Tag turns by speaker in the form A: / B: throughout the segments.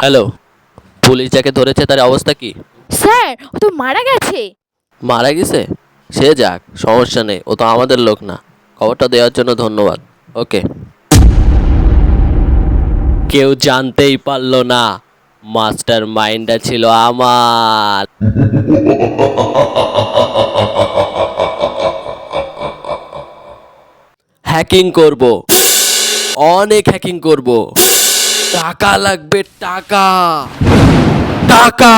A: Hello, police যাকে ধরেছে তার অবস্থা কি?
B: স্যার, ও তো মারা গেছে।
A: মারা গেছে? সে যাক, সমস্যা নেই, ও তো আমাদের লোক না। খবরটা দেওয়ার জন্য ধন্যবাদ। ওকে। কেউ জানতেই পারলো না মাস্টার মাইন্ডটা ছিল আমার। হ্যাকিং করব, অনেক হ্যাকিং করব। টাকা লাগবে, টাকা টাকা।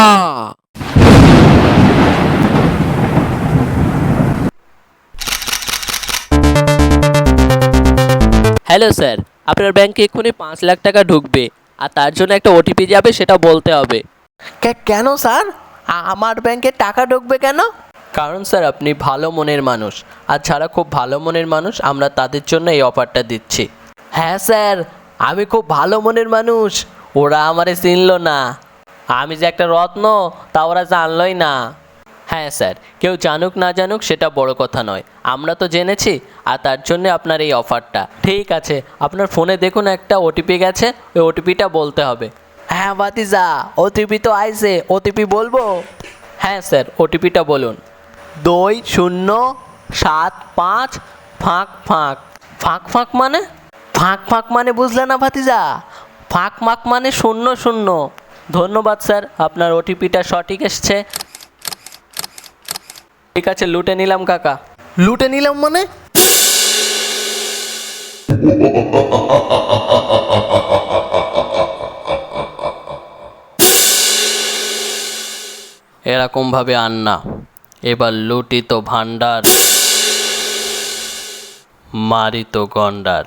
A: হ্যালো স্যার, আপনার ব্যাংকে এক্ষুনি 5 লাখ টাকা ঢুকবে, আর তার জন্য একটা ওটিপি যাবে, সেটা বলতে হবে।
C: কেন স্যার? আমার ব্যাংকে টাকা ঢুকবে কেন?
A: কারণ স্যার আপনি ভালো মনের মানুষ, আর যারা খুব ভালো মনের মানুষ আমরা তাদের জন্য এই অফারটা দিচ্ছি।
C: হ্যাঁ স্যার, আমি খুব ভালো মনের মানুষ। ওরা আমারে চিনলো না। আমি যে একটা রত্ন তা ওরা জানলই না।
A: হ্যাঁ স্যার, কেউ জানুক না জানুক সেটা বড় কথা নয়, আমরা তো জেনেছি, আর তার জন্য আপনার এই অফারটা। ঠিক আছে, আপনার ফোনে দেখুন একটা ওটিপি গেছে, ওই ওটিপিটা বলতে হবে।
C: হ্যাঁ ভাতিজা, ওটিপি তো আইছে, ওটিপি বলবো?
A: হ্যাঁ স্যার, ওটিপিটা বলুন।
C: 2075 ফাঁক ফাঁক।
A: ফাঁক ফাঁক মানে?
C: ফাঁক ফাঁক মানে বুঝলে না ভাতিজা? ফাঁক ফাঁক মানে 00।
A: ধন্যবাদ স্যার, আপনার ওটিপিটা সঠিক এসছে। ঠিক আছে, লুটে নিলাম কাকা।
C: লুটে নিলাম মানে?
A: এরকম ভাবে আন না, এবার লুটি তো ভান্ডার, মারি তো গন্ডার।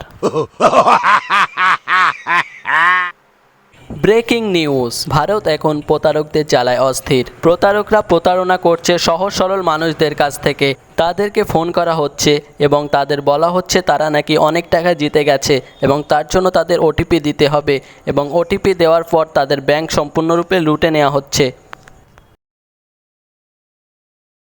A: ব্রেকিং নিউজ, ভারত এখন প্রতারকদের জ্বালায় অস্থির। প্রতারকরা প্রতারণা করছে সহজ সরল মানুষদের কাছ থেকে। তাদেরকে ফোন করা হচ্ছে এবং তাদের বলা হচ্ছে তারা নাকি অনেক টাকা জিতে গেছে এবং তার জন্য তাদের ওটিপি দিতে হবে, এবং ওটিপি দেওয়ার পর তাদের ব্যাংক সম্পূর্ণরূপে লুটে নেওয়া হচ্ছে।